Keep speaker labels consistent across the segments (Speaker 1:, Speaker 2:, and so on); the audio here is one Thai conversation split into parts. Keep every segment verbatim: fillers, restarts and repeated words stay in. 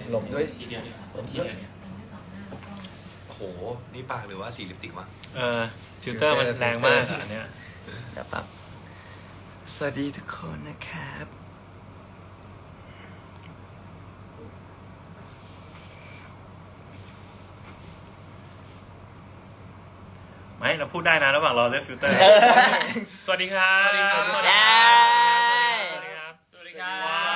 Speaker 1: หลบด้วย
Speaker 2: ทีเดียวดิผมทีเดียวเนี่ย
Speaker 3: โอ้โหนี่ปากหรือว่าสีลิปสติกวะ
Speaker 4: เออฟิลเตอร์มันแรงมากอันเนี้ย
Speaker 1: เดี๋ยวปั๊บสวัสดีทุกคนนะครับ
Speaker 4: ไม่เราพูดได้นะระหว่างรอเลือกฟิลเตอร์ สวัสดีครับสวัสดีครับสวัสดีครับ
Speaker 2: สวัสดีครับ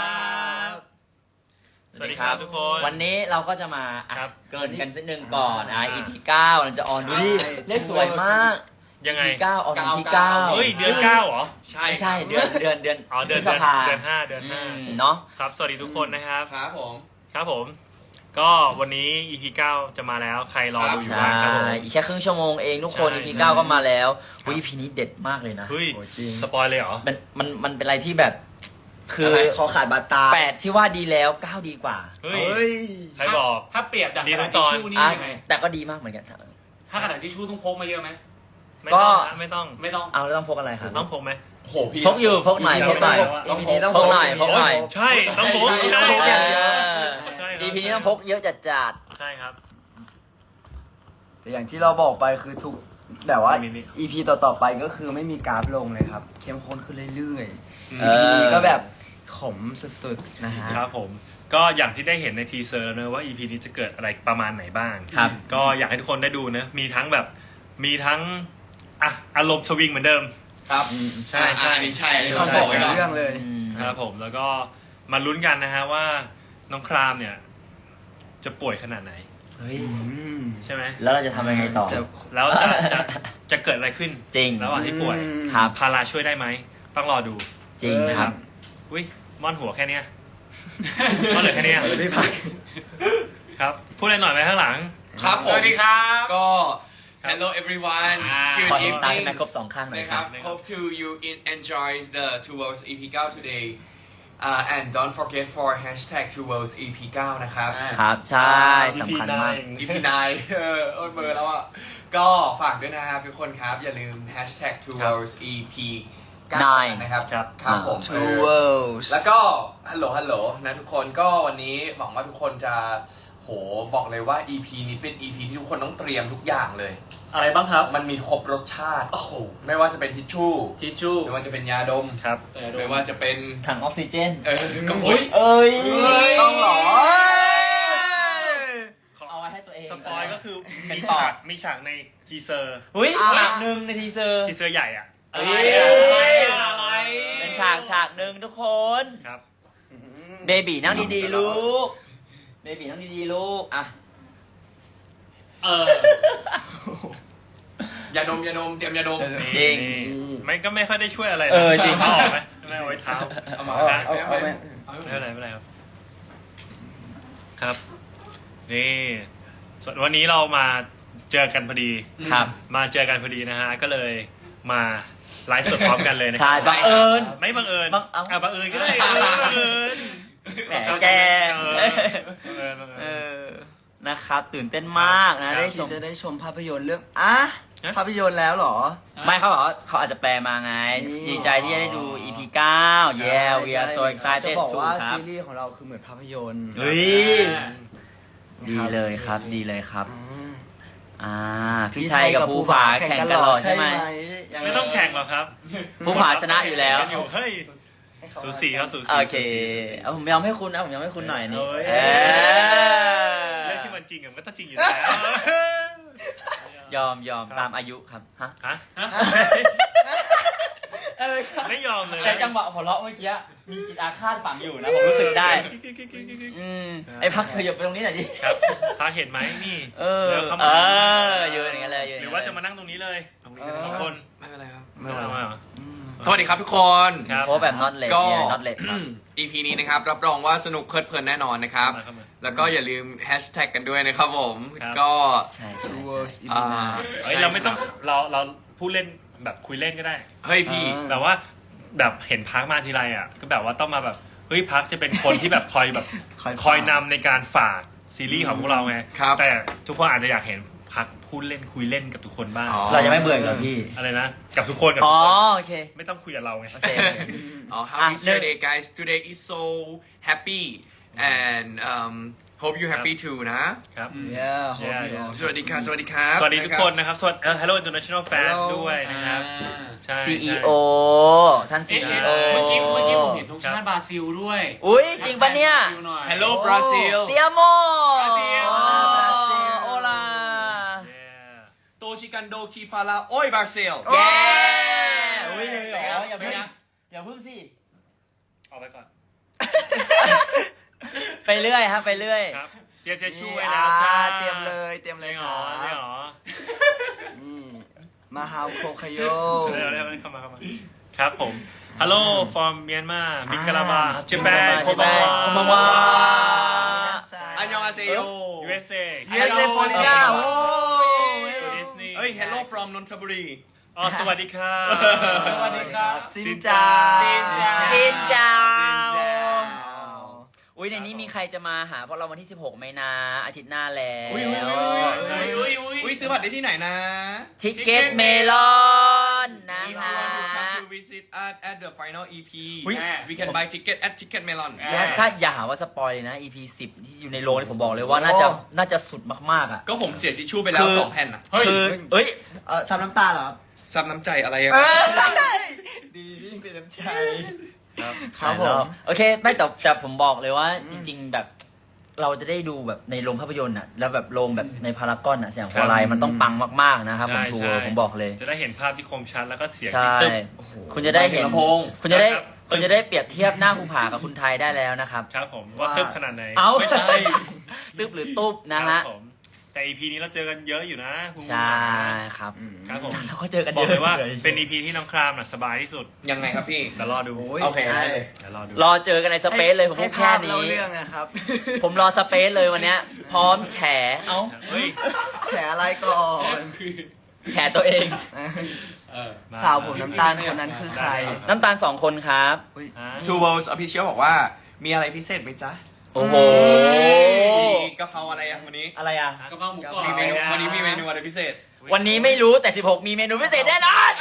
Speaker 4: สวัสดีครับทุกคน
Speaker 1: วันนี้เราก็จะมาอ่ะ
Speaker 4: ครับ
Speaker 1: เกรินกันสักหนึ่งก่อนอ่ะ อี พี เก้าเราจะออนดูดิเลขสวยมาก
Speaker 4: ยังไง
Speaker 1: อี พี เก้าออนวันที่เก้า
Speaker 4: เฮ้ยเดือนเก้าเหรอ
Speaker 3: ใช่
Speaker 1: ไม่ใช่เดือนเดือนเดือน
Speaker 4: อ๋อเดือน
Speaker 1: พฤษ
Speaker 4: เดือน
Speaker 1: ภา
Speaker 4: เดือนห้าเดือน
Speaker 1: อื
Speaker 4: ห้าม
Speaker 1: เนาะ
Speaker 4: ครับสวัสดีทุกคนนะครับ
Speaker 3: ครับผม
Speaker 4: ครับผม ก็วันนี้ อี พี เก้าจะมาแล้วใครรอดูอยู่
Speaker 1: ใช่
Speaker 4: บ้างครับผม
Speaker 1: อีกแค่ครึ่งชั่วโมงเองทุกคน
Speaker 4: ใช่
Speaker 1: อี พี เก้าก็มาแล้วอุ๊ย อี พี นี้เด็ดมากเลยนะ
Speaker 4: เฮ้ย
Speaker 1: โอ้จริง
Speaker 4: สปอยเลยเหรอ
Speaker 1: มันมันมันเป็นอะไรที่แบบ คือ
Speaker 5: อะไรขอขาดบาดตา
Speaker 1: แปดที่ว่าดีแล้วเก้าดีกว่า
Speaker 4: เฮ้
Speaker 5: เฮ้
Speaker 4: ย
Speaker 5: ย
Speaker 4: ใครบอก
Speaker 2: ถ้าเปรียบดัก
Speaker 4: ดี
Speaker 2: ก
Speaker 4: ทุ
Speaker 2: ระ
Speaker 4: ก
Speaker 2: ดาษ
Speaker 4: ตอน
Speaker 2: ทิชชู่นี่
Speaker 1: อ่ะ
Speaker 2: ยังไง
Speaker 1: แต่ก็ดีมากเหมือนกัน
Speaker 2: ถ้ากระดาษทิชชู่ต้องพกมาเยอะไหม
Speaker 4: ไม่
Speaker 1: ก็
Speaker 4: ต้องนะไม่ต้อง
Speaker 2: ไม่ต้อง
Speaker 1: เอาแล้วต้องพกอะไรครับ
Speaker 4: ต้องพกไหม
Speaker 3: โอ้โหพี่
Speaker 1: พกอยู่พกหน่อย
Speaker 4: อี
Speaker 1: พ
Speaker 4: พี
Speaker 1: กหน่อย
Speaker 3: ต้อง
Speaker 5: อี พีนี้ต้อง
Speaker 1: พกหน่อยพกหน่อย
Speaker 4: ใช่ต้องพก
Speaker 5: ใช่
Speaker 4: ใช่
Speaker 5: ต้องพกอย่างเดียว
Speaker 4: ใช่ครับ
Speaker 1: อี พี นี้ต้องพกเยอะจัดจัด
Speaker 4: ใช่ครับ
Speaker 5: แต่อย่างที่เราบอกไปคือทุกแบบว่า
Speaker 4: มีนี่
Speaker 5: อี พี ต่อๆไปก็คือไม่มีกราฟลงเลยครับ เข้มข้นขึ้นเรื่อย
Speaker 1: ๆ
Speaker 5: ๆ อี พี นี้ก็แบบขมสุดๆนะฮะ
Speaker 4: ครับผมก็อย่างที่ได้เห็นในทีเซอร์แล้วนะว่า อี พี นี้จะเกิดอะไรประมาณไหนบ้าง
Speaker 1: ครับ
Speaker 4: ก็อยากให้ทุกคนได้ดูนะมีทั้งแบบมีทั้งอ่ะอารมณ์สวิงเหมือนเดิม
Speaker 3: ครับ
Speaker 4: ใช่ใช่
Speaker 3: อันนี้ใช่อันนี้
Speaker 5: เขา
Speaker 3: เขา
Speaker 5: บบ อ
Speaker 3: อก ก
Speaker 5: เป็
Speaker 3: ไว้
Speaker 5: น
Speaker 3: ก่อน
Speaker 5: เรื่องเลย
Speaker 1: อืม
Speaker 4: ครับผมแล้วก็มาลุ้นกันนะฮะว่าน้องครามเนี่ย จะป่วยขนาดไหน
Speaker 1: เฮ้ย
Speaker 4: ใช่ไหม
Speaker 1: แล้วเราจะทำยังไงต่อ
Speaker 5: จะ
Speaker 4: แล้วจะจะจะเกิดอะไรขึ้น
Speaker 1: จริง
Speaker 4: ระหว่างที่ป่วย
Speaker 5: อืม
Speaker 1: ครับ
Speaker 4: พาราช่วยได้ไหมต้องรอดู
Speaker 1: จริงครับ
Speaker 4: อุ้ยม่อนหัวแค่เนี้ยม่อนเหลือแค่เนี้ย
Speaker 5: ไม่พัก
Speaker 4: ครับพูดอะไรหน่อยไหมข้างหลัง
Speaker 3: ครับผ
Speaker 2: ส
Speaker 3: ม
Speaker 2: วัสดีครับ
Speaker 3: ก็ hello everyone
Speaker 2: อ่า
Speaker 3: good
Speaker 1: ขอเห็นตา
Speaker 3: evening
Speaker 1: ให้แม่ครบสองข้างหน่อย
Speaker 3: นะ
Speaker 1: ค
Speaker 3: ค
Speaker 1: รั
Speaker 3: รับ บ hope to you in enjoy the Two Worlds อี พี เก้า today uh, and don't forget for hashtag Two Worlds อี พี เก้า นะครับ
Speaker 1: ครับ ใช่สำคัญมาก
Speaker 3: อี พี ไนน์ เออโอ้ยเบอร์แล้วอ่ะ ก็ฝากด้วยนะครับทุกคนครับ อย่าลืม hashtag Two Worlds อี พี เก้า นะครับ
Speaker 4: ครับ
Speaker 3: ครับผม
Speaker 5: Two Worlds
Speaker 3: แล้วก็ฮัลโหลฮัลโหลนะทุกคนก็วันนี้หวังว่าทุกคนจะโหบอกเลยว่า อี พี นี้เป็น อี พี ที่ทุกคนต้องเตรียมทุกอย่างเลย
Speaker 2: อะไรบ้างครับ
Speaker 3: มันมีครบรสชาติ
Speaker 2: โอ้โห
Speaker 3: ไม่ว่าจะเป็นทิชชู่
Speaker 2: ทิชชู่
Speaker 3: ไม่ว่าจะเป็นยาดม
Speaker 4: ครับ
Speaker 3: ไม่ว่าจะเป็น
Speaker 1: ถังออกซิเจน
Speaker 3: เออก็
Speaker 2: อุ๊
Speaker 3: โอ้
Speaker 2: ย
Speaker 3: ย
Speaker 1: เอ้ย
Speaker 5: ต้องเหรอ
Speaker 1: เอาไว้ให้ตัวเอง
Speaker 4: สปอยก็คือ
Speaker 1: เป็น
Speaker 4: มี
Speaker 1: ปอ
Speaker 4: ฉาก
Speaker 1: ด
Speaker 4: มีฉากในทีเซอร์
Speaker 1: อุ้ย
Speaker 5: อ่ะ
Speaker 1: ฉากหนึ่งในทีเซอร์
Speaker 4: ทีเซอร์ใหญ่อ่ะ
Speaker 2: อะไร
Speaker 1: เอ้ย
Speaker 2: อะไร
Speaker 1: เป็นฉากฉากหนึ่งทุกคน
Speaker 4: ครับ
Speaker 1: เบบีนั่งดีๆลูก เบบีนั่งดีๆลูก อ่ะ
Speaker 2: เออ
Speaker 3: ยาดมยาดมเตรียมยาดม
Speaker 1: จริง
Speaker 4: นี่ไม่ก็ไม่ค่อยได้ช่วยอะไรนะ
Speaker 1: เออจริง
Speaker 4: เอาออกไหมไม่เอาไว้เท้า
Speaker 3: เอามา
Speaker 5: เอา
Speaker 3: เอา
Speaker 5: เอาเอา
Speaker 3: เอา
Speaker 5: ไหม
Speaker 4: ไม่เป็นไรไม่เป็นไรครับ ครับ นี่ส่วนวันนี้เรามาเจอกันพอดี
Speaker 1: ครับ
Speaker 4: มาเจอกันพอดีนะฮะ ก็เลยมาไลฟ์สดพร้อมกันเลยนะค
Speaker 1: ใช่
Speaker 4: รับ
Speaker 1: บังเอิญ
Speaker 4: ไม่บังเอิญ
Speaker 1: บังเอ้า
Speaker 4: อ่ะบังเอิญก็ได้เออบังเอิญ
Speaker 1: แหมแก
Speaker 4: เออบังเอิญบัง
Speaker 1: เอ
Speaker 4: เอิญ
Speaker 1: อ นะครับ ตื่นเต้นมากนะ ได้ช
Speaker 5: ที่
Speaker 1: ม
Speaker 5: จะได้ชมภาพยนตร์เรื่องอ่ะ
Speaker 4: ฮะ
Speaker 5: ภาพยนตร์แล้วเหรอ
Speaker 1: ไม่เขาบอกว่าเขาอาจจะแปลมาไง
Speaker 5: นี่
Speaker 1: ดีใจที่จะได้ดู อี พี เก้า yeah we are so
Speaker 5: จะ
Speaker 1: excited
Speaker 5: บอก
Speaker 1: too
Speaker 5: ว่า
Speaker 1: ครั
Speaker 5: ซี
Speaker 1: บ
Speaker 5: รีส์ของเราคือเหมือนภาพยนตร์
Speaker 1: เฮ้ย
Speaker 5: นะ
Speaker 1: ดี
Speaker 5: ครับ
Speaker 1: เลยครับ ดีเลยครับ
Speaker 5: อืม
Speaker 1: อ่า พี่ไทยกับภูผาแข่งกันหรอใช่ไหม
Speaker 5: ยัง
Speaker 4: ไม่ต้องแข่งหรอกครับ
Speaker 1: ภูผาชนะอยู่แล้ว
Speaker 4: กันอยู่เฮ้ยสูสีครับสูสี
Speaker 1: โอเค
Speaker 4: สูสีสูสี
Speaker 1: เอาผมยอมให้คุณนะผมยอมให้คุณหน่อยนี่
Speaker 4: เอ้ย
Speaker 1: เออ
Speaker 4: เรื่องที่มันจริงอะมันก็ต้องจริงอยู่แล้ว
Speaker 1: ยอมยอมตามอายุครับฮะ
Speaker 4: ฮะ ไม่ยอมเลย
Speaker 1: แต่จังหวะหัวเราะเมื่อกี้มีจิตอาฆาตฝังอยู่นะผมรู้สึกได้ อืมไอ้พักเธอหยบไปตรงนี้หน่อยดิ
Speaker 4: ครับพาเห็นไหมนี่
Speaker 1: เออ
Speaker 4: ดี๋ยวข้า
Speaker 1: เอ
Speaker 4: มา
Speaker 1: ออยู่อย่างนั้นเลยอยู่อย่ง
Speaker 4: หรื
Speaker 1: นั้
Speaker 4: อน ว่า
Speaker 1: เลย
Speaker 4: จะมานั่งตรงนี้เลย
Speaker 3: ตรงนี้ก็ได้
Speaker 4: สองคน
Speaker 3: ไม่เป็นไรครับ
Speaker 4: ไม่เป็นไรเหรอ
Speaker 3: สวัสดีครับทุกคน
Speaker 4: ครับ
Speaker 1: โพสต์แบบนอตเลด
Speaker 3: ก็
Speaker 1: เนี่ยนอตเลด
Speaker 3: อี พี นี้นะครับ รับรองว่าสนุกเพลิดเพลินแน่นอนนะครับ
Speaker 4: เข้ามาเข้ามา
Speaker 3: แล้วก็อย่าลืมแฮชแท็กกันด้วยนะครับผม
Speaker 4: ครับ
Speaker 3: ก็
Speaker 1: ใช่ใช่
Speaker 5: Two
Speaker 1: ใช่
Speaker 5: Worlds อี
Speaker 3: อ่า
Speaker 5: พี nine
Speaker 4: เฮ้ยเราไม่ต้องเราเราพูดเล่นแบบคุยเล่นก็ได้
Speaker 3: เฮ้ยพี่
Speaker 5: อ่า
Speaker 4: แบบว่าแบบเห็นพักมาทีไรอ่ะก็แบบว่าต้องมาแบบเฮ้ยพักจะเป็นคนที่แบบคอยแบบ
Speaker 5: คอยฝาก
Speaker 4: คอยนำในการฝากซีรีส์ของพวกเราไง
Speaker 3: ครับ
Speaker 4: แต่ทุกคนอาจจะอยากเห็นพักพูดเล่นคุยเล่นกับทุกคนบ้าง
Speaker 3: อ๋อ
Speaker 1: เราจะไม่เบื่อเหรอพี่
Speaker 4: อะไรนะกับทุกคนกับ
Speaker 1: อ๋
Speaker 4: ทุ
Speaker 1: อก
Speaker 4: คน
Speaker 1: โอเค
Speaker 4: ไม่ต้องคุยกับเราไง
Speaker 1: โอเคโอเค
Speaker 3: Oh, how
Speaker 1: Ah,
Speaker 3: is your
Speaker 1: no.
Speaker 3: day, guys? Today is so happy and um, hope you happy too นะ
Speaker 4: ครับ
Speaker 5: yeah hope
Speaker 4: Yeah,
Speaker 5: you
Speaker 4: yeah.
Speaker 5: all
Speaker 3: สวัสดีครับสวัสดีครับ
Speaker 4: สวัสดีทุกคนนะครับ สวัสดีเอ่อ Hello International Fans
Speaker 5: Hello
Speaker 4: ด้วยนะครับ
Speaker 2: อ่า
Speaker 4: ใช่
Speaker 1: ซี อี
Speaker 4: ใช่
Speaker 1: โอ ท่านซี
Speaker 2: เอ๊ะ
Speaker 1: อี
Speaker 2: เอ๊ะ
Speaker 1: โอ
Speaker 2: เมื่อกี้เมื่อกี้ผมเห็นธงชาติบราซิลด้วย
Speaker 1: อุ้ยจริงปะเนี่ย
Speaker 2: บราซิลหน่อย
Speaker 3: Hello Brazil
Speaker 1: เตียโม
Speaker 2: เตียโม
Speaker 1: โอลา
Speaker 4: Yeah
Speaker 3: โตชิกันโดคีฟาราโอ้ยบราซิล
Speaker 1: เย้อุ้ยเหรออย่าเพิ่งอย่าเพิ่งสิ
Speaker 4: ออกไปก่อน
Speaker 1: ไปเรื่อยครับไปเรื่อย
Speaker 4: ครับ เตรียมเช็ดชู่ไว้
Speaker 5: อ่า
Speaker 4: แล้วจ้า
Speaker 5: เตรียมเลยเตรียมเลย
Speaker 4: ไม่ห
Speaker 5: ค
Speaker 4: ร
Speaker 5: รั
Speaker 4: อไม่
Speaker 5: บ
Speaker 4: หรอ
Speaker 5: นี่มาฮาวโคคาโย
Speaker 4: เร็วเร็วเข้ามาเข้ามา ครับผม Hello from Myanmar มิกราบาญี่ปุ่นโคบาวา
Speaker 1: โคบาวา
Speaker 3: อันยองอาเซโย
Speaker 4: ยู เอส เอ
Speaker 5: ยู เอส เอ ฟลอริดาโอ้
Speaker 4: Good evening
Speaker 3: เอ้ย Hello from นนทบุรี
Speaker 4: อ๋อสวัสดีครับ
Speaker 2: สวัสดีครับ
Speaker 5: ซินจา
Speaker 2: ซินจา
Speaker 1: ซินจา
Speaker 5: ซินจา
Speaker 1: อุ้ยในนี้มีใครจะมาหาพวกเราวันที่สิบหกไหมนะอาทิตย์หน้าแล้ว
Speaker 3: อุ๊ยอุ๊ยอุ๊ย
Speaker 2: อุ้ยอุ้ย
Speaker 3: อุ้ยซื้อบัตรได้ที่ไหนนะ
Speaker 1: ทิกเก็ตเมลอนนะ
Speaker 3: If you
Speaker 1: คะ
Speaker 3: want to come to visit us at the final อี พี
Speaker 1: อุ๊ย
Speaker 3: we can buy ticket at Ticket Melon
Speaker 1: และถ้าอย่าหาว่าสปอยเลยนะ อี พี สิบที่อยู่ในโรงนี่ผมบอกเลยว่าน่าจะน่าจะสุดมากๆอ่ะ
Speaker 3: ก็ผมเสียทิชชู่ไปแล้ว
Speaker 1: คือ
Speaker 3: สองแผ่นอ่ะ
Speaker 1: คือเอ้ย
Speaker 5: เออซับน้ำตาเหรอครับ
Speaker 3: ซับน้ำใจอะไรอะ
Speaker 5: เอ้ยดียิ่งเป็นน้ำใจครับผม
Speaker 1: โอเคไม่แต่แต่ผมบอกเลยว่าจริง ๆ แบบเราจะได้ดูแบบในโรงภาพยนตร์อ่ะแล้วแบบโรงแบบในพารากอนอ่ะเสียงโคไลมันต้องปังมากๆนะครับผม
Speaker 4: ใช่
Speaker 1: ทัว
Speaker 4: ใช่
Speaker 1: ร์ผมบอกเลย
Speaker 4: จะได้เห็นภาพที่คมชัดแล้วก็เสียง
Speaker 1: ใช่
Speaker 4: ที่ตึ๊บ
Speaker 1: คุณจะได้เห็น
Speaker 3: ลำโพง
Speaker 1: คุณจะได้
Speaker 4: ครับ
Speaker 1: คุณจะได้เปรียบเทียบหน้าภูผากับคุณไทยได้แล้วนะครับ
Speaker 4: ครับผมว่าตึ๊บขนาดไหน
Speaker 1: เอ้า
Speaker 4: ไม่ใช่
Speaker 1: ตึ๊บหรือตุ๊บนะฮะ
Speaker 4: ครับผมแต่ อี พี นี้เราเจอกันเยอะอยู่นะคุณ
Speaker 1: ใช่ครับ
Speaker 4: ครับผม
Speaker 1: เราก็เจอกัน
Speaker 4: บ
Speaker 1: เย
Speaker 4: อก
Speaker 1: อะ
Speaker 4: เลยว่าเป็น อี พี ที่น้องครามน่ะสบายที่สุด
Speaker 3: ยังไงครับพี่
Speaker 4: แต่รอดู
Speaker 5: โอ้ย
Speaker 3: โอเค
Speaker 5: ใช่
Speaker 3: ได้เลย
Speaker 4: เดี๋ยวรอดู
Speaker 1: รอเจอกันในสเปซเลยผม
Speaker 5: ให้
Speaker 1: พูดแค่
Speaker 5: ภาพเล่า
Speaker 1: นี้
Speaker 5: เรื่องนะครับ
Speaker 1: ผมรอสเปซเลยวันเนี้ย พร้อมแฉเอ้า
Speaker 4: เฮ้ย
Speaker 5: แฉอะไรก่อน
Speaker 1: แฉตัวเอง
Speaker 2: เออ
Speaker 5: สาวผมน้ำตาลคนนั้นคือใคร
Speaker 1: น้ำตาลสองคนครับ
Speaker 4: อ่า
Speaker 3: Two Worlds Official บอกว่ามีอะไรพิเศษไหมจ๊ะ
Speaker 1: โอ้โห
Speaker 3: มีกะเพราอะไรอะวันนี้
Speaker 1: อะไรอ่ะ
Speaker 2: กระเพราหมูกรอบ
Speaker 3: มีเมนูวันนี้มีเมนูอะไรพิเศษ
Speaker 1: วันนี้ไม่รู้แต่สิบหกมีเมนูพิเศษแน่นอน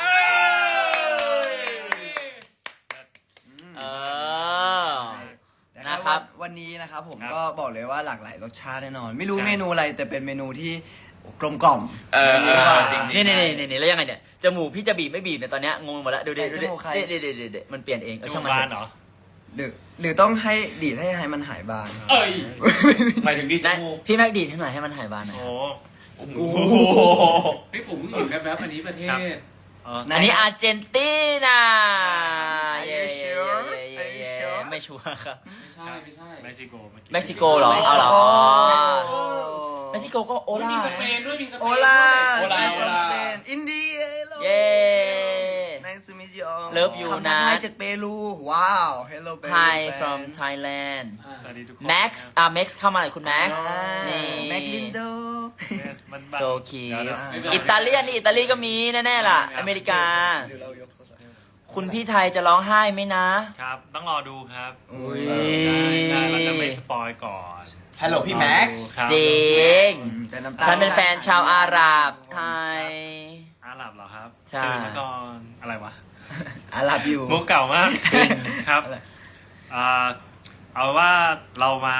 Speaker 1: เออ นะครับ
Speaker 5: วันนี้นะครับผม
Speaker 4: ครับ
Speaker 5: ก็บอกเลยว่าหลากหลายรสชาติแน่นอน ไม่รู้
Speaker 4: ใช่
Speaker 5: เมนูอะไรแต่เป็นเมนูที่กลมกล่อม
Speaker 3: เออ
Speaker 5: ดีกว่า
Speaker 3: จริงๆ
Speaker 1: นี่นี่นี่นี่แล้วยังไงเนี่ย จมูกพี่จะบีบไม่บีบเนี่ยตอนเนี้ยงงหมดแล้วดูดิ
Speaker 5: ไหน
Speaker 1: ดู
Speaker 5: จ
Speaker 1: ดิ
Speaker 5: มูกใคร
Speaker 1: เด็ดเด็ดเด็ดมันเปลี่ยนเองเออ
Speaker 4: จ
Speaker 1: ช่าง
Speaker 4: มู
Speaker 1: มัน
Speaker 4: กบาน
Speaker 1: เถ
Speaker 4: เหร
Speaker 1: อะ
Speaker 4: อ
Speaker 5: หรือหรือต้องให้ดีดให้ให้มันหายบาง
Speaker 2: เอ้ย
Speaker 3: หมายถึงดีจ
Speaker 1: ได้
Speaker 3: มูก
Speaker 1: พี่แม็กดีดให้หน่อยให้มันหายบานหน่อย
Speaker 4: โอ้
Speaker 3: โอ้โห
Speaker 2: เฮ้ยผมเห็นแวบๆอันนี้ประเทศ
Speaker 4: อ๋อ
Speaker 1: อันนี้อาร์เจนตินา
Speaker 5: Are
Speaker 1: เย้
Speaker 5: you
Speaker 1: เย้
Speaker 5: sure?
Speaker 1: เย้เย้
Speaker 5: Are you
Speaker 1: เย้
Speaker 5: sure?
Speaker 1: ไม่ชัวร์ครับ
Speaker 2: ไม่ใช่ไม่ใช่
Speaker 4: เม็กซิโกเอ
Speaker 1: เม็กซิโกเหรอเอาเหรอ
Speaker 5: โอ้
Speaker 1: เม็กซิโกก็โอ
Speaker 2: โอ้ย
Speaker 1: ลา
Speaker 2: มีสเปนด้วยมีสเปน
Speaker 5: โอ
Speaker 2: ด้วย
Speaker 5: ลา
Speaker 3: โอลาโอลา
Speaker 5: อินเดีย
Speaker 1: เย้
Speaker 5: Nice to meet you all
Speaker 1: Love you
Speaker 5: คำทักทาย
Speaker 1: นะ
Speaker 5: จากเปรูว้าว Hello Peru
Speaker 1: Hi
Speaker 5: fans
Speaker 1: from Thailand
Speaker 2: อ่า
Speaker 4: สวัสดีทุกคน
Speaker 1: Max อ่ะ Max เข้ามาหน่อยคุณ Max
Speaker 5: อ่า
Speaker 1: นี่
Speaker 5: แม็กลินโด
Speaker 4: Yes มันบัง
Speaker 1: so
Speaker 4: เดี๋ยว
Speaker 1: cute
Speaker 4: เดี๋ยว
Speaker 1: อิตาเลียนนี่อิตาลีก็มีแน่ๆล่ะ อเมริกา
Speaker 5: หรือเรายกโทรศัพท์
Speaker 1: คุณพี่ไทยจะร้องไห้ไหมนะ
Speaker 4: ครับ ต้องรอดูครับ
Speaker 5: อุ้ย
Speaker 4: ใช่ใช่เราจะไม่สปอยก่อน
Speaker 3: ฮัลโหลพี่แม็กซ์
Speaker 4: ครับ
Speaker 1: จริง
Speaker 5: แต่น้ำตาล
Speaker 1: ฉันเป็นแฟนชาวอาหรับไทย
Speaker 4: อาหรับเหรอครับ
Speaker 1: ใช่
Speaker 4: ตื่นมาก่อนอะไรวะ
Speaker 5: อาลับอยู่
Speaker 4: มุกเก่ามาก
Speaker 1: จริง
Speaker 4: ครับ
Speaker 5: อะไร
Speaker 4: อ่าเอาว่าเรามา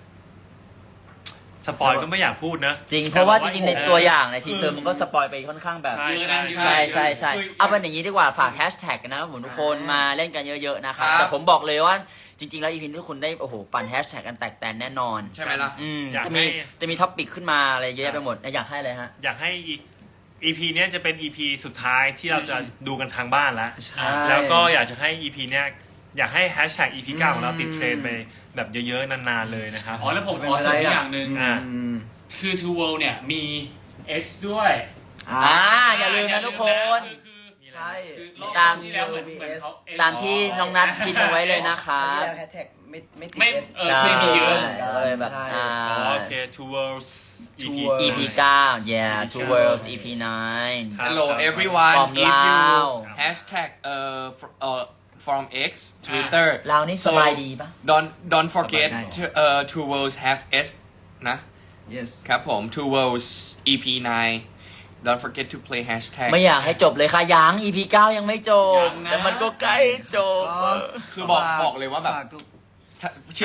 Speaker 4: สปอยก็ไม่อยากพูดนะ
Speaker 1: จริง เพราะว่าจริงๆในตัวอย่าง
Speaker 4: เ
Speaker 1: ในทีเซอร์มันก็สปอยไปค่อนข้างแบบ
Speaker 4: ใช่
Speaker 2: เยอะนะ
Speaker 1: ใช่ใช่ใช่
Speaker 3: คือ
Speaker 1: เอาเป็นอย่างนี้ดีกว่าฝากแฮชแท็กกันนะครับผมทุกคนมาเล่นกันเยอะๆนะครับ
Speaker 3: ครับ
Speaker 1: แต่ผมบอกเลยว่าจริง ๆ แล้วอีพีนี้ทุกคนได้โอ้โหปั่นแฮชแท็กกันแตกแตนแน่นอน
Speaker 3: ใช่ไหมล่ะ
Speaker 1: อืม
Speaker 4: อยาก
Speaker 1: จะ
Speaker 4: ให้
Speaker 1: มีจะมีท็อปปิกขึ้นมาอะไรเยอะแยะไปหมดอยากให้อะไรฮะ
Speaker 4: อยากให้อีอีพีเนี้ยจะเป็น อี พี สุดท้ายที่เราจะดูกันทางบ้านแล้ว
Speaker 5: ใช่
Speaker 4: แล้วก็อยากจะให้ อี พี เนี้ยอยากให้แฮชแท็ก อี พี เก้าของเราติดเทรนด์ไปแบบเยอะๆนานๆเลยนะครับ
Speaker 2: อ๋อแล้วผมขอเสริมอีกอย่างหนึ่ง
Speaker 4: อ่า
Speaker 5: อืม
Speaker 2: คือ Two World เนี่ยมี S ด้วย
Speaker 5: อ่า
Speaker 1: อ่าอย่าลืมนะทุกคน
Speaker 2: คือคือ
Speaker 5: ใช่
Speaker 2: คือรอบ
Speaker 1: ตาม
Speaker 2: ที่แล้วเหมือนเหมือนเขา S
Speaker 1: ตามที่น้องนัทคิดเอาไว้เลยนะค
Speaker 5: อั
Speaker 1: รั
Speaker 5: น
Speaker 1: บ
Speaker 5: นี้แฮชแท็กไม่ไม่ติด
Speaker 2: ไม่
Speaker 5: เอส
Speaker 2: เออใช่มีเยอะ
Speaker 1: ก็เลยแบบอ่า
Speaker 4: อ๋อโอเค Two Worlds อี
Speaker 5: Two
Speaker 4: พี
Speaker 5: Worlds
Speaker 1: อี พี เก้า yeah two worlds อี พี nine
Speaker 4: ครับ
Speaker 3: Hello everyone
Speaker 1: From
Speaker 3: if you
Speaker 1: Lao
Speaker 3: hashtag เอ่อ fr- เอ่อ from X Twitter
Speaker 1: เรานี่สบายดีปะ
Speaker 3: don't don't forget
Speaker 5: สบายดี
Speaker 3: to เอ่อ Two Worlds have S นะ
Speaker 5: yes
Speaker 3: ครับผม Two Worlds อี พี nine don't forget to play hashtag
Speaker 1: ไม่อยากให้จบเลยค่ะยัง อี พี เก้ายังไม่จบ
Speaker 2: ยังนะ
Speaker 1: แต่มันก็ใกล้จบ
Speaker 5: ก็
Speaker 3: คือบอกบอกเลยว่าแบบ
Speaker 5: ฝกทุก
Speaker 3: เชื่อไหม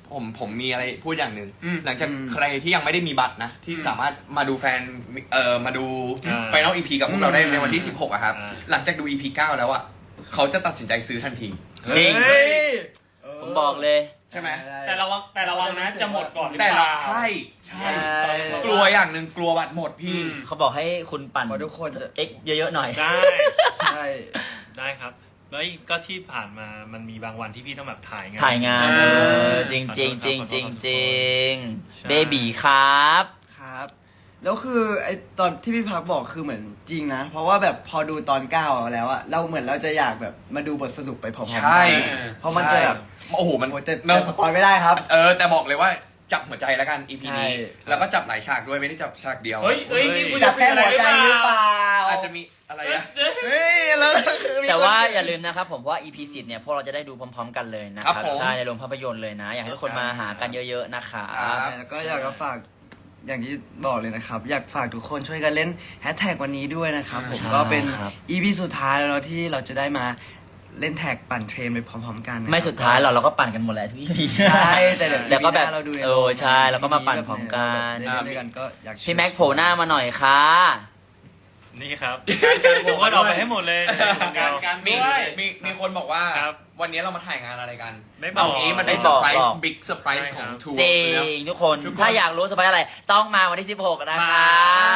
Speaker 3: ผมผมมีอะไรพูดอย่างหนึ่ง
Speaker 2: อืม
Speaker 3: หลังจาก
Speaker 5: อืม
Speaker 3: ใครที่ยังไม่ได้มีบัตรนะ ที่สามารถมาดูแฟนเอ่อมาดู
Speaker 4: อ่า
Speaker 3: ไฟนอลอีพีกับพวกเราได้ในวันที่
Speaker 5: อืม
Speaker 3: สิบหกอะครับ
Speaker 4: อ่า
Speaker 3: หลังจากดู อี พี เก้าแล้วอะเขาจะตัดสินใจซื้อทันที
Speaker 1: จริง
Speaker 5: เฮ้ย
Speaker 1: ผมบอกเลย
Speaker 3: ใช่ไหม
Speaker 2: แต่ระวังแต่ระวังนะจะหมดก่อนหรือ
Speaker 3: แต่
Speaker 2: เป
Speaker 3: เรา
Speaker 2: ล่า
Speaker 3: ใช่ใช่
Speaker 5: ใช่
Speaker 3: กลัวอย่างหนึ่งกลัวบัตรหมดพี่
Speaker 2: อืม
Speaker 1: เขาบอกให้คุณปั่น
Speaker 5: เพราะทุกคนจะ
Speaker 1: เอ็กเยอะๆหน่อย
Speaker 4: ใช่
Speaker 5: ใช่
Speaker 4: ได้ครับ แล้วก็ที่ผ่านมามันมีบางวันที่พี่ต้องแบบถ่ายงาน
Speaker 1: ถ่ายงาน
Speaker 2: เออ
Speaker 1: เออจริงจริงจริงจริงจริง
Speaker 4: ใช่
Speaker 1: เบบีครับ
Speaker 5: ครับ แล้วคือไอตอนที่พี่พักบอกคือเหมือนจริงนะ เพราะว่าแบบพอดูตอนเก้าแล้วอะเราเหมือนเราจะอยากแบบมาดูบทสรุปไปพร้อมๆ
Speaker 3: ใช่
Speaker 5: กันเพราะมันจะแบบ
Speaker 3: โอ้โหมัน
Speaker 5: โอ้ยแต่
Speaker 3: เนอะ
Speaker 5: แต่สปอยไม่ได้ครับ
Speaker 3: เออแต่บอกเลยว่าจับหัวใจแล้วกัน อี พี
Speaker 5: ใช่
Speaker 3: นี้แล้วก็จับหลายฉากด้วยไม่ได้จับฉากเดียว
Speaker 2: เฮ้ยเฮ้ยนี่กู
Speaker 5: จั
Speaker 2: จะ
Speaker 5: บ
Speaker 2: ซื้
Speaker 5: แค่
Speaker 2: ออะไร
Speaker 5: หัว
Speaker 2: หรือ
Speaker 5: ใจ
Speaker 2: เปล่า
Speaker 5: หรือเปล่า
Speaker 3: อาจจะมีอะไรนะ
Speaker 5: เฮ้ยแล้วคือมี
Speaker 1: แต่ว่า
Speaker 5: คน
Speaker 1: อย่าลืมนะครับผมว่า อี พี สิบเนี่ยพวกเราจะได้ดูพร้อมๆกันเลยนะค
Speaker 3: ครั
Speaker 1: รั
Speaker 3: บบ ผม
Speaker 1: ใช่ในโรงภาพยนตร์เลยนะ อยากให้ทุกคนมาหากันเยอะๆนะคะ
Speaker 3: ครับ
Speaker 5: แล้วก็อยากจะฝากอย่างที่บอกเลยนะครับ อยากฝากทุกคนช่วยกันเล่นแฮชแท็กวันนี้ด้วยนะครับผม
Speaker 1: ใช่
Speaker 5: ก็เป็น
Speaker 1: ครับ
Speaker 5: อีพีสุดท้ายแล้วเนอะที่เราจะได้มาเล่นแท็กปั่นเทรนไปพร้อมๆกันนะครับ
Speaker 1: ไม่สุดท้ายหรอกเราก็ปั่นกันหมดแหละทุก อี พี
Speaker 5: ใช่แต่เดี๋ยว
Speaker 1: แต่ก็แบบ
Speaker 5: อีพีหน้าเราดูใน
Speaker 1: เออใช่แล้วก็มาปั่นพร้อมกัน
Speaker 5: เล่นด้วยกันก็อยากชวน
Speaker 1: พี่แม็กโผล่หน้ามาหน่อยค่ะ
Speaker 4: นี่ครับผมก็ดรอปไปให้หมดเลยคนเดี
Speaker 2: กา
Speaker 4: ยว
Speaker 2: รการ
Speaker 3: มี
Speaker 2: ด้วย
Speaker 3: มีมีคนบอกว่า
Speaker 4: ครับ
Speaker 3: วันนี้เรามาถ่ายงานอะไรกัน
Speaker 4: ไม่บอก
Speaker 3: เางี้มันเป็น
Speaker 1: ไม่
Speaker 3: เซ
Speaker 1: บ
Speaker 3: อ
Speaker 1: อก
Speaker 3: ร์ไพร
Speaker 1: บอ
Speaker 3: ส์
Speaker 1: ก
Speaker 3: บิ๊กเซอร์ไพรส์
Speaker 4: ใช่
Speaker 3: ของ
Speaker 4: ครับ
Speaker 3: ทัวร์
Speaker 1: จริ
Speaker 3: นะ
Speaker 1: งทุกคน
Speaker 3: ทุกคน
Speaker 1: ถ้าอยากรู้สบายอะไร ต้องมาวันที่สิบหกนะครับ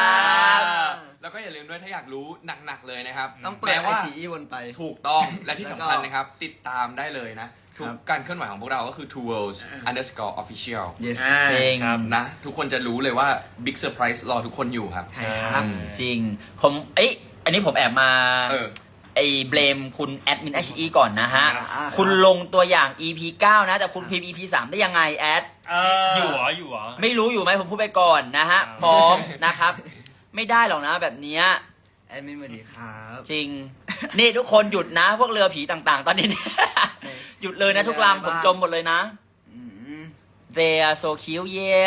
Speaker 3: แล้วก็อย่าลืมด้วยถ้าอยากรู้หนักๆเลยนะครับ
Speaker 5: ต้องเปิด
Speaker 3: แม้
Speaker 5: ไอ
Speaker 3: ว่า
Speaker 5: ชีอีวนไป
Speaker 3: ถูกต้องและที่
Speaker 5: แล้ว
Speaker 3: สำ
Speaker 5: ก็
Speaker 3: คัญนะครับ ติดตามได้เลยนะ ทุ
Speaker 5: ค
Speaker 3: ก
Speaker 5: รับ
Speaker 3: การเคลื่อนไหวของพวกเราก็คือ two worlds underscore official
Speaker 5: yes
Speaker 2: อ่า
Speaker 1: จริง
Speaker 4: ครับ
Speaker 3: นะ ทุกคนจะรู้เลยว่า big surprise รอทุกคนอยู่ครับ
Speaker 5: ใช่ครับ
Speaker 1: จริง ผมเอ้ยอันนี้ผมแอบมา
Speaker 3: เออ
Speaker 1: ไอ้เบลมคุณแอดมิน เอช อี ก่อนนะฮะ
Speaker 5: อ่าครับ
Speaker 1: คุณลงตัวอย่าง อี พี เก้า นะ แต่คุณพิมพ์ อี พี สาม ได้ยังไงแอด
Speaker 2: เออ
Speaker 4: อ
Speaker 2: อยู่
Speaker 4: เหรออยู่เหรอ
Speaker 1: ไม่รู้อยู่ไหมผมพูดไปก่อนนะฮะ
Speaker 4: อ่า
Speaker 1: พร้อมนะครับ ไม่ได้หรอกนะแบบเนี้ย
Speaker 5: แอดมินสวัสดีครับ
Speaker 1: จริง นี่ทุกคนหยุดนะ พวกเรือผีต่างๆ ตอนนี้ หยุดเลยนะทุกลำผมจมหมดเลยนะ
Speaker 5: อืม
Speaker 1: They are so cute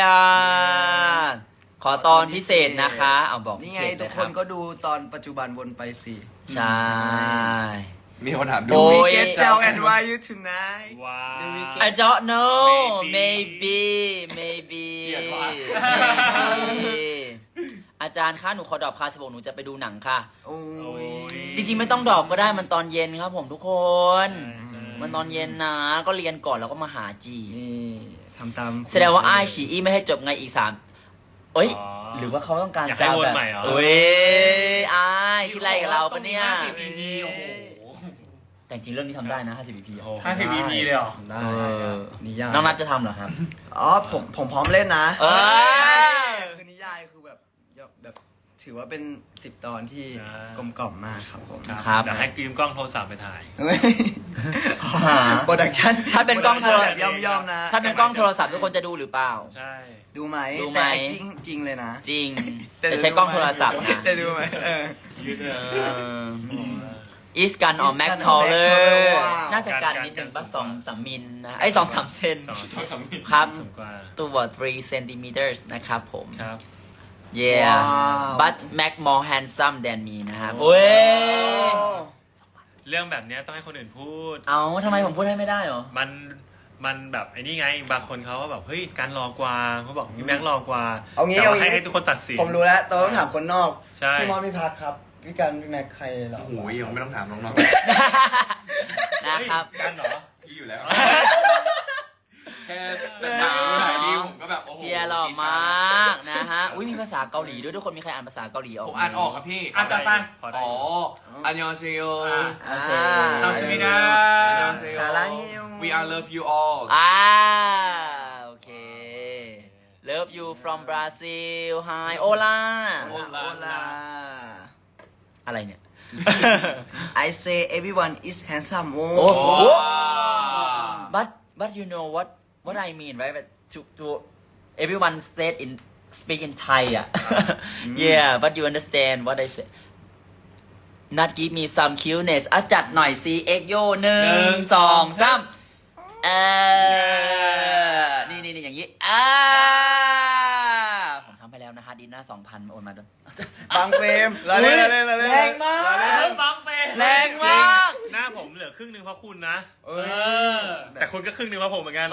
Speaker 1: yeah ขอตอนพิเศษนะคะ เอาบอกพิ
Speaker 5: นี่
Speaker 1: เศ
Speaker 5: ไง
Speaker 1: ษเล
Speaker 5: ทุก
Speaker 1: ย
Speaker 5: ค
Speaker 1: ครั
Speaker 5: น
Speaker 1: บ
Speaker 5: ก็ดูตอนปัจจุบันวนไปสิ
Speaker 1: ใช่
Speaker 3: มีคนถามดู
Speaker 1: โอ้ย
Speaker 5: Get tell and why you tonight
Speaker 4: ว้าว
Speaker 1: I don't know
Speaker 4: Maybe
Speaker 1: maybe maybe
Speaker 3: เกลียดว่ะ
Speaker 1: maybe อาจารย์คะหนูขอดรอปคลาสสิบหกหนูจะไปดูหนังค่ะ
Speaker 5: โอ้ย
Speaker 1: จริงๆไม่ต้องดรอปก็ได้มันตอนเย็นครับผมทุกคน
Speaker 4: ใช่ใช่
Speaker 1: มันตอนเย็นนะ ก็เรียนก่อนแล้วก็มาหาจี
Speaker 5: นี่ทำตาม
Speaker 1: แสดงว่าไอ้ายฉีอีไม่ให้จบไงอีกสามเอ้ย
Speaker 4: อ๋อ
Speaker 1: หรือว่าเขาต้องการ
Speaker 4: อยากให้
Speaker 1: จะ
Speaker 4: วน
Speaker 1: แบบ
Speaker 4: ใหม่เหรอ
Speaker 1: เอ้ยไอ้ายคิดอะไรกับเราปะเนี่ย
Speaker 2: ห้าสิบ อี พี โอ้โห
Speaker 1: แต่จริงๆเรื่องนี้ทำได้นะห้าสิบ อี พี
Speaker 4: โอ้โห
Speaker 2: ห้าสิบ อี พี เลยเหรอ
Speaker 5: ได้
Speaker 1: เออ
Speaker 5: นิยาย
Speaker 1: น้องนัทจะทำเหรอครับ
Speaker 5: อ๋อผมผมพร้อมเล่นนะ
Speaker 1: เอ้ย
Speaker 5: คือนิยายคือแบบแบบถือว่าเป็นสิบตอนที่
Speaker 4: ใช่
Speaker 5: กลมกล่อมมากครับผม
Speaker 4: ครับ
Speaker 1: ครับ
Speaker 4: เดี๋ยวให้กรีมกล้องโทรศัพท์ไปถ่าย
Speaker 1: หา
Speaker 5: โปรดักชั่น
Speaker 1: ถ้าเป็นกล้องโทร
Speaker 5: แบบย่อมๆนะ
Speaker 1: ถ้าเป็นกล้องโทรศัพท์ทุกคนจะดูหรือเปล่า
Speaker 4: ใช่
Speaker 5: ดูไหม
Speaker 1: ดูไหม
Speaker 5: แต่ acting จริงเลยนะ
Speaker 1: จริง แต่ใช้กล้องโทรศัพท์นะ
Speaker 5: แต่ดูไหมเออ
Speaker 4: ยืดเอ
Speaker 1: เอ
Speaker 4: อ
Speaker 1: ออีสกันออ
Speaker 5: East
Speaker 1: แม็ก
Speaker 5: Gun
Speaker 1: ทอ
Speaker 5: or
Speaker 1: เล
Speaker 5: Mac
Speaker 1: ย
Speaker 5: Taller ว้าว
Speaker 1: น่าจะการนิดนึงป่ะสองสามมิลนะไอ้สองสามเซน
Speaker 4: สองสองสามมิล
Speaker 1: ครับ
Speaker 4: สูงกว่า
Speaker 1: ตัว three centimeters นะครับผม
Speaker 4: ครับ
Speaker 1: yeah
Speaker 5: ว้าว
Speaker 1: but Mac more handsome than me นะครับเว้ย
Speaker 4: เรื่องแบบเนี้ยต้องให้คนอื่นพูด
Speaker 1: เอาทำไมผมพูดให้ไม่ได้เหรอ
Speaker 4: มันมันแบบไอ้นี่ไงบางคนเขาก็แบบเฮ้ยการรอกว่าเขาบอกพี่แม็กรอกว่า
Speaker 5: เอางี้
Speaker 4: แต่ว่า
Speaker 5: เอางี้
Speaker 4: ให้ให้ทุกคนตัดสิน
Speaker 5: ผมรู้แล้วต้องถามคนนอก
Speaker 4: ใช่
Speaker 5: พี่มอสพี่พักครับพี่กันพี่แม็กใครเหรอ
Speaker 3: โอ้ยยังไม่ต้องถามน้อง
Speaker 1: นะครับ
Speaker 4: เฮ้ยกันเหรอ
Speaker 3: ๆพี่อยู่แล้ว แค่แต่ถามถ่ายรีวผมก็แบบโอ้โห
Speaker 1: เฮียหล่อมากนะฮะ อุ้ยมีภาษาเกาหลีด้วยทุกคนมีใครอ่านภาษาเกาหลีออก
Speaker 3: ผมอ่านออกครับพี่
Speaker 2: อ่ะจัดไป
Speaker 4: พอได้
Speaker 3: อ๋อ อันยองเซโย
Speaker 1: โอเค
Speaker 2: ทำสิมิดา
Speaker 5: สารัง
Speaker 3: We are love you all
Speaker 1: อ่าโอเค Love you from Brazil Hi Hola
Speaker 5: โอลา
Speaker 1: อะไรเนี่ย
Speaker 5: I say everyone is handsome โอ้
Speaker 1: โอ้โห
Speaker 3: ว้าว
Speaker 1: but but you know what what I mean right but to to everyone said in speak in Thai อ่ะ yeah but you understand what I say not give me some cuteness อ่ะจัดหน่อยสิ เอ็กโยหนึ่งสองสามเออนี่นี่นี่อย่างนี้อ่าผมทำไปแล้วนะฮะดีน่าสองพันโอนมาด้วย
Speaker 5: บางเฟรมละเล่นละเล่นละเล่น
Speaker 1: แรงมาก
Speaker 2: เฮ้ยบังเป
Speaker 1: แรงมาก
Speaker 4: หน้าผมผมเหลือครึ่งหนึ่งเพราะคุณนะ
Speaker 5: เอ
Speaker 2: เอ
Speaker 5: อ
Speaker 2: อ
Speaker 4: แต่คุณก็ครึ่งหนึ่งเพราะผมเหมือนกัน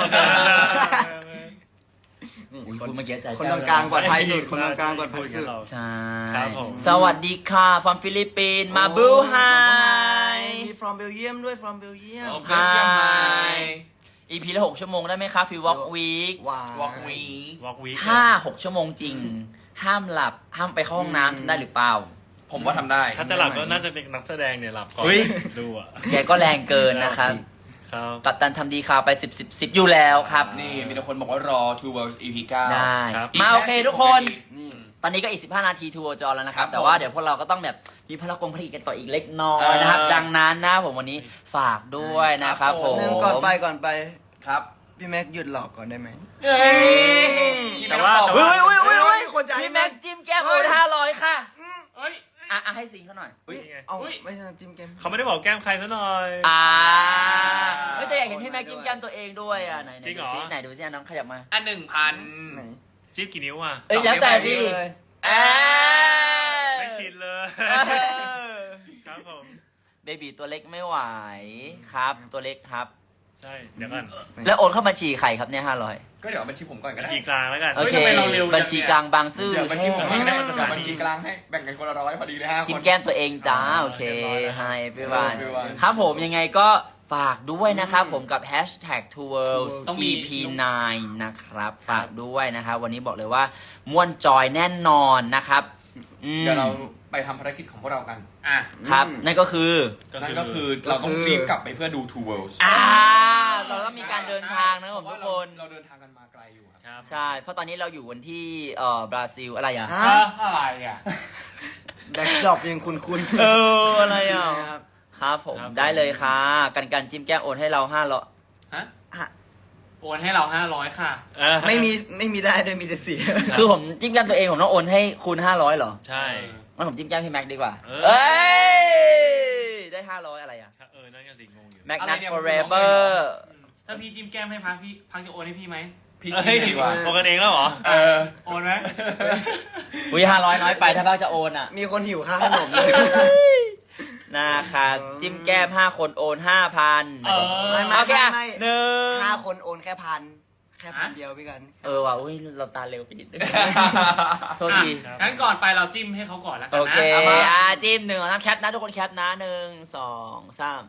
Speaker 5: นี่
Speaker 1: อุ๊ย
Speaker 5: คน
Speaker 1: คุณเมื่อกี้ใจ
Speaker 5: คนตรงกลางปลอดภัยสุดคนตรงกลางปลอดภัยสุด
Speaker 1: ใช่
Speaker 4: ครับผม
Speaker 1: สวัสดีค่ะ from ฟิลิปปินส์มาบูไฮ
Speaker 5: มี from Belgium ด้วย from Belgium
Speaker 3: โอเคเชียงใหม่
Speaker 1: อีพีละหกชั่วโมงได้ไหมคะฟิวอล์กวีค
Speaker 5: ว้าว
Speaker 3: วอล์กวี
Speaker 4: วอล์กวีค
Speaker 1: ห้าหกชั่วโมงจริง ห้ามหลับ ห้ามไปเข้าห้องน้ำทำได้หรือเปล่า
Speaker 3: ผมว่าทำได้
Speaker 4: ถ้าจะหลับก็น่าจะเป็นนักแสดงเนี่ยหลับก่อน
Speaker 1: อุ๊ย
Speaker 4: ดูอ่ะ
Speaker 1: แกก็แรงเกินนะครับ
Speaker 4: ครับ
Speaker 1: กัปตันทำดีข่าวไปสิบสิบสิบอยู่แล้วครับ
Speaker 3: นี่มีแต่คนบอกว่ารอ Two Worlds อี พี เก้า
Speaker 1: ได้
Speaker 4: ครับ
Speaker 1: มาโอเคทุกคน
Speaker 5: นี่
Speaker 1: ตอนนี้ก็อีกสิบห้านาทีทัวร์จอแล้วนะครับ
Speaker 3: ครับ
Speaker 1: แต่ว่า
Speaker 3: ผม
Speaker 1: เดี๋ยวพวกเราก็ต้องแบบมีพลังกงผลิตกันต่ออีกเล็กน้อยนะครับ
Speaker 3: เออ
Speaker 1: ดังนั้นนะผมวันนี้ฝากด้วยนะครับ
Speaker 3: ครับ
Speaker 1: ผ
Speaker 3: ผม ม
Speaker 5: หนึ่งก่อนไปก่อนไป
Speaker 3: ครับ
Speaker 5: พี่แม็กหยุดหลอกก่อนได้ไหม
Speaker 2: เอ้ย
Speaker 4: แต่ว่า
Speaker 1: เฮ้ยเฮ้ยเฮ้ยเฮ้ย
Speaker 5: มีคนจ่าย
Speaker 1: พี่แม็กจิ้มแก้มโอนห้าร้อยค่ะ
Speaker 2: เอ้ย
Speaker 1: อ่ะอ่ะให้สิงเขาหน่อย
Speaker 5: อุ๊ย
Speaker 4: นี่ไง
Speaker 5: เอา
Speaker 2: อุ๊ย
Speaker 5: ไม่ใช่จิ้มเกม
Speaker 4: เขาไม่ได้บอกแก้มใครซะหน่อย
Speaker 1: อ่าเฮ้ยแต่อยากเห็นพี่แม็กจิ้มแก้มตัวเองด้วยอ่ะไหนไหน
Speaker 4: จริงเหร
Speaker 1: ดู
Speaker 4: อ
Speaker 1: ซิไหนดูซิอ่ะน้องขยับมา
Speaker 3: อันหนึ่งพัน
Speaker 5: ไหน
Speaker 4: จิ๊บกี่นิ้วอ่ะ
Speaker 1: เอ้ยแล้วแต่สิ
Speaker 5: เลย
Speaker 1: เอ้ย
Speaker 4: ไม่ชินเลย
Speaker 1: เออ
Speaker 4: ครับผม
Speaker 1: เบบีตัวเล็กไม่ไหวครับ ตัวเล็กครับ
Speaker 4: ใช่เดี๋ยวก่อน
Speaker 1: แล้วโอนเข้าบัญชีใครครับเนี่ยห้าร้อย
Speaker 3: ก็เดี๋ยวเอาบัญชีผมก่อนก็
Speaker 4: บัญ
Speaker 3: ได้
Speaker 4: ชีกลางแล้วกัน
Speaker 1: โอเค
Speaker 2: ทำไมเราเร็วจังเนี่ย
Speaker 1: บัญชีกลางบางซื่อ
Speaker 3: เดี๋ยวบัญชีผมก่อนก็ได้
Speaker 4: อืม
Speaker 3: เดี๋ยวบัญชีกลางให้แบ่งกันคนละร้อยพอดีเลยห้าคน
Speaker 1: จิ้มแก้มตัวเองจ้า
Speaker 4: อ่า
Speaker 1: โอเค
Speaker 4: เรียบร้อยแล้ว
Speaker 1: Hi everyone
Speaker 3: everyone
Speaker 1: ครับผมยังไงก็ฝากด้วยนะครับผมกับ hashtag two worlds
Speaker 2: ต้องมี
Speaker 1: อี พี ไนน์ นะครับ ฝากด้วยนะครับ วันนี้บอกเลยว่าม่วนจอยแน่นอนนะครับอืม
Speaker 3: เดี๋ยวเราไปทำภารกิจของพวกเรากัน
Speaker 2: อ่ะ
Speaker 1: ครับ นั่นก็คือ
Speaker 3: นั่นก็คือเราต้องรีบกลับไปเพื่อดู Two Worlds
Speaker 1: อ่า เราต้องมีการเดินทางนะผมทุกคน
Speaker 3: เราเดินทางกันมาไกลอยู่ครับ
Speaker 4: ครับ
Speaker 1: ใช่ เพราะตอนนี้เราอยู่กันที่เอ่อบราซิลอะไรอ่ะ
Speaker 5: ฮะ
Speaker 2: เอออะไรอ่ะ
Speaker 5: แบ็คดรอปยังคุณคุณ
Speaker 1: เอออะไรอ่ะ
Speaker 5: ครับ
Speaker 1: ครับผม
Speaker 4: ครับ
Speaker 1: ได้เลยค่ะ กันกันจิ้มแก้มโอนให้เราห้าร้อย
Speaker 2: ฮะ
Speaker 5: ฮะ
Speaker 2: โอนให้เราห้าร้อยค่ะ
Speaker 4: เออ
Speaker 5: ไม่มีไม่มีได้ด้วยมีแต่เสีย
Speaker 1: คือผมจิ้มแก้มตัวเองผมต้องโอนให้คูณห้าร้อยเหรอ
Speaker 4: ใช่
Speaker 1: งั้นผมจิ้มแก้มพี่แม็กดีกว่า
Speaker 4: เออ
Speaker 1: เอ้ย ได้ห้าร้อยอะไรอ่ะ
Speaker 4: เออนั่นก็สิงงอยู่
Speaker 1: แม็ก
Speaker 3: อะไร
Speaker 1: นัท
Speaker 3: เนี่ย
Speaker 1: forever
Speaker 2: ถ้าพี่จิ้มแก้มให้พักพี่พักจะโอนให้พี่ไหม
Speaker 3: พี่
Speaker 4: เฮ้ย
Speaker 3: ดีกว่า
Speaker 4: โอนกันเองแล้วเหรอ
Speaker 3: เออ
Speaker 2: โอนไหม
Speaker 1: อุ้ยห้าร้อยน้อยไปถ้าบ้าจะโอนอ่ะ
Speaker 5: มีคนหิวค่าขนมเลย
Speaker 1: นะครับ จิ้มแก้มห้าคนโอนห้าพัน
Speaker 2: เออ
Speaker 5: ไม่ไม่
Speaker 1: โอเคอ่ะ
Speaker 5: ไม่
Speaker 1: หนึ่ง
Speaker 5: ห้าคนโอนแค่พันแค่พันเดียวพี่กัน
Speaker 1: เออว่ะอุ้ยเราตาเร็วไปนิดนึงโทษที
Speaker 4: ครับ
Speaker 2: งั้นก่อนไปเราจิ้มให้เขาก่อนแล้วกั
Speaker 1: โอน
Speaker 2: นะ
Speaker 1: เค
Speaker 2: ามา
Speaker 1: อ่ะจิ้มหนึ่งสองสามแคปนะทุกคนแคปนะหนึ่งสองสาม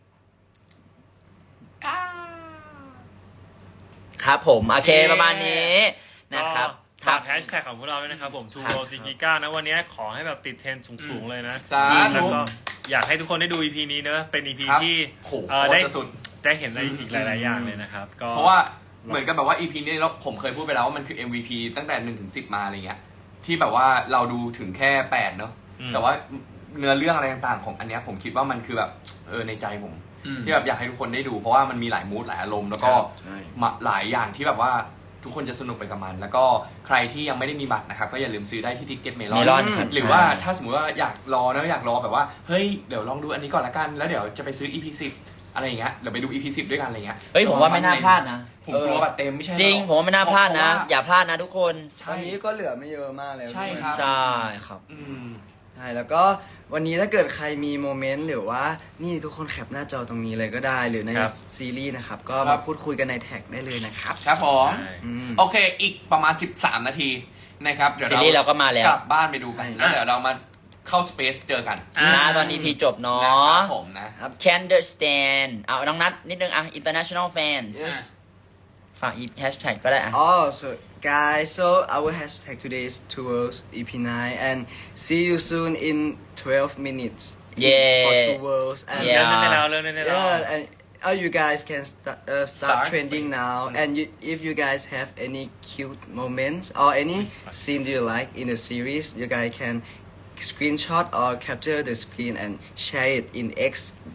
Speaker 1: ครับผม โอเคประมาณนี้นะครับ
Speaker 4: ฝากแฮชแท็กของพวกเราด้วยนะครับผม ทู
Speaker 1: ครับ
Speaker 4: โรซิกิก้านะวันนี้ขอให้แบบติดเทรนด์สูงๆเลยนะ
Speaker 3: สาธุ
Speaker 4: แล้วก็อยากให้ทุกคนได้ดู อี พี นี้เนอะเป็น อี พี
Speaker 3: ครับ
Speaker 4: ที่
Speaker 3: โห
Speaker 4: เอ่อ
Speaker 3: โคตร
Speaker 4: ได้
Speaker 3: จะสุด
Speaker 4: ได้เห็นอะไรอีกหลายๆอย่างเลยนะครับ ก็
Speaker 3: เพราะว่าเหมือนกับแบบว่า อี พี นี้เราผมเคยพูดไปแล้วว่ามันคือ เอ็ม วี พี ตั้งแต่หนึ่งถึงสิบมาอะไรเงี้ยที่แบบว่าเราดูถึงแค่แปดเนาะ
Speaker 4: อืม
Speaker 3: แต่ว่าเนื้อเรื่องอะไรต่างๆของอันเนี้ยผมคิดว่ามันคือแบบเออในใจผม
Speaker 2: อืม
Speaker 3: ที่แบบอยากให้ทุกคนได้ดู เพราะว่ามันมีหลายมูดหลายอารมณ์แล้วก็
Speaker 5: ใช่
Speaker 3: มาหลายอย่างที่แบบว่าทุกคนจะสนุกไปกับมัน แล้วก็ใครที่ยังไม่ได้มีบัตรนะครับก็อย่าลืมซื้อได้ที่ทิกเก็ตเมลอน
Speaker 1: Melon ครับ
Speaker 3: หรือว่า
Speaker 1: ใช่
Speaker 3: ถ้าสมมติว่าอยากรอนะอยากรอแบบว่าเฮ้ยเดี๋ยวลองดูอันนี้ก่อนละกันแล้วเดี๋ยวจะไปซื้อ อี พี สิบอะไรอย่างเงี้ยเดี๋ยวไปดู อี พี สิบด้วยกันอะไรเงี้ย
Speaker 1: เฮ้ยผมว่าไม่น่าพลาดนะ
Speaker 3: ผมกลัวบัตรเต็มไม่ใช่หอ
Speaker 1: จริง ผมว่าไม่น่าพลาดนะ
Speaker 3: เพระว่
Speaker 1: อย่าพลาดนะทุกคน
Speaker 5: ตอนนี้ก็เหลือไม่เยอะมากแล้ว
Speaker 3: ใช่ครับ
Speaker 1: ใช่ครับ
Speaker 3: อืม
Speaker 5: ใช่แล้วก็วันนี้ถ้าเกิดใครมีโมเมนต์หรือว่านี่ทุกคนแคปหน้าจอตรงนี้เลยก็ได้ หรือใน
Speaker 4: ครับ
Speaker 5: ซีรีส์นะครับ ก็
Speaker 3: ครั
Speaker 5: มา
Speaker 3: บ
Speaker 5: พูดคุยกันในแท็กได้เลยนะครับ
Speaker 3: ครับผม
Speaker 4: ใช่
Speaker 5: อืม
Speaker 3: โอเค อีกประมาณ สิบสาม นาทีนะครับเดี๋ยว
Speaker 1: ซีรีส์เราก็มาแล้ว
Speaker 3: กลับบ้านไปดูกัน
Speaker 5: ใช่
Speaker 3: แล้วเดี๋ยวเรามาเข้าสเปซเจอกัน
Speaker 2: อ่า
Speaker 1: นะตอนนี้พีจบเนา
Speaker 3: นะค
Speaker 1: ะ
Speaker 3: รับผมนะ
Speaker 1: Can understand เอาน้องนัทนิดนึงอ่ะ international fans
Speaker 5: Yes
Speaker 1: ฝากอีแฮชแท็กก็ได้อ่ะ
Speaker 5: Oh, so guys, so our hashtag today is towards E P nine, and see you soon in twelve minutes.
Speaker 1: Yeah.
Speaker 5: For two worlds, and
Speaker 1: เริ่ม
Speaker 4: เริ่มได้แล้วเริ่มได้แล้ว
Speaker 5: yeah, and all you guys can st- uh, start,
Speaker 3: Start.
Speaker 5: trending now. And you, if you guys have any cute moments or any scene you like in the series, you guys can screenshot or capture the screen and share it in X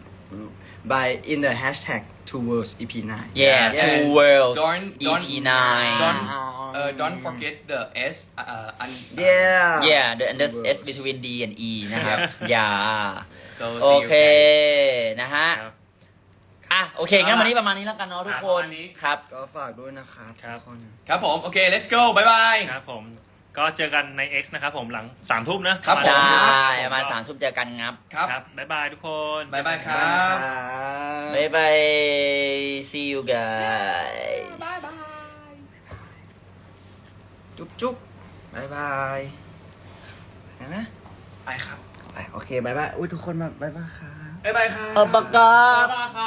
Speaker 5: by in the hashtag towards E P nine.
Speaker 1: yeah
Speaker 5: Yeah.
Speaker 1: two worlds
Speaker 3: Don't-
Speaker 1: E
Speaker 3: don't-
Speaker 1: P nine
Speaker 3: don't- เอ่อ don't forget the S เอ่ออัน
Speaker 5: Yeah.
Speaker 1: yeah the and the
Speaker 5: Two
Speaker 1: S
Speaker 5: worlds.
Speaker 1: between D and E นะครับ อย่า
Speaker 3: so
Speaker 1: โอ
Speaker 3: see you
Speaker 1: เค
Speaker 3: guys
Speaker 1: นะฮะ
Speaker 4: ครับ
Speaker 1: อ่ะ โอเค งั้นวันนี้ประมาณนี้แล้วกันเนาะทุกคน
Speaker 2: ประมาณนี้
Speaker 1: ครับ
Speaker 5: ก็ฝากด้วยนะครับ
Speaker 4: ครับ
Speaker 5: ทุกคน
Speaker 3: ครับผม โอเค let's go บ๊ายบาย
Speaker 4: ครับผมก็เจอกันใน X นะครับผมหลังสามทุ่มนะครับ
Speaker 3: ผม
Speaker 1: ได้ประมาณสามทุ่มเจอกันครับ
Speaker 3: ครับ
Speaker 4: ครับบ๊ายบายทุกคน
Speaker 3: บ๊ายบายครับ
Speaker 1: บายบาย see you guys
Speaker 5: จุ๊บจุ๊บ บายบายนะนะ
Speaker 3: ไปครับ
Speaker 5: ไปโอเคบายบาย อุ้ยทุกคนมาบายบายครับ
Speaker 3: บ๊ายบายครับ
Speaker 1: เออปากกา
Speaker 2: บ๊ายบายครับ